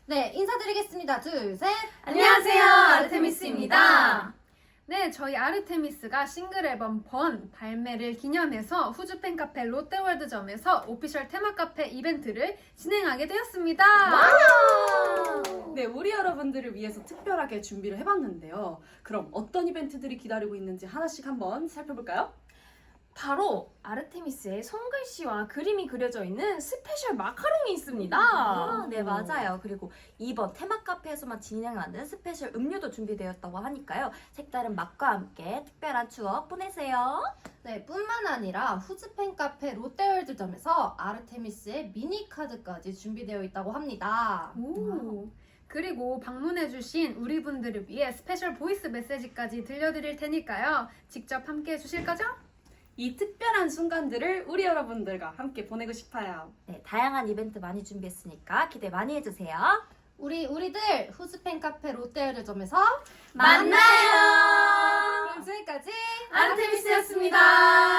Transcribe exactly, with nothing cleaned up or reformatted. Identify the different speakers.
Speaker 1: 네, 인사드리겠습니다. 둘, 셋.
Speaker 2: 안녕하세요, 아르테미스입니다.
Speaker 3: 네, 저희 아르테미스가 싱글 앨범 번 발매를 기념해서 후주 팬카페 롯데월드점에서 오피셜 테마 카페 이벤트를 진행하게 되었습니다.
Speaker 2: 네, 우리 여러분들을 위해서 특별하게 준비를 해봤는데요. 그럼 어떤 이벤트들이 기다리고 있는지 하나씩 한번 살펴볼까요?
Speaker 4: 바로 아르테미스의 손글씨와 그림이 그려져 있는 스페셜 마카롱이 있습니다.
Speaker 5: 아, 네, 맞아요. 그리고 이번 테마 카페에서만 진행하는 스페셜 음료도 준비되었다고 하니까요. 색다른 맛과 함께 특별한 추억 보내세요.
Speaker 1: 네, 뿐만 아니라 후즈 팬카페 롯데월드점에서 아르테미스의 미니 카드까지 준비되어 있다고 합니다.
Speaker 3: 오. 그리고 방문해주신 우리 분들을 위해 스페셜 보이스 메시지까지 들려드릴 테니까요. 직접 함께 해주실 거죠?
Speaker 2: 이 특별한 순간들을 우리 여러분들과 함께 보내고 싶어요.
Speaker 5: 네, 다양한 이벤트 많이 준비했으니까 기대 많이 해주세요.
Speaker 1: 우리 우리들 후즈 팬카페 롯데월드점에서
Speaker 4: 만나요!
Speaker 1: 그럼 지금까지
Speaker 4: 아르테미스였습니다.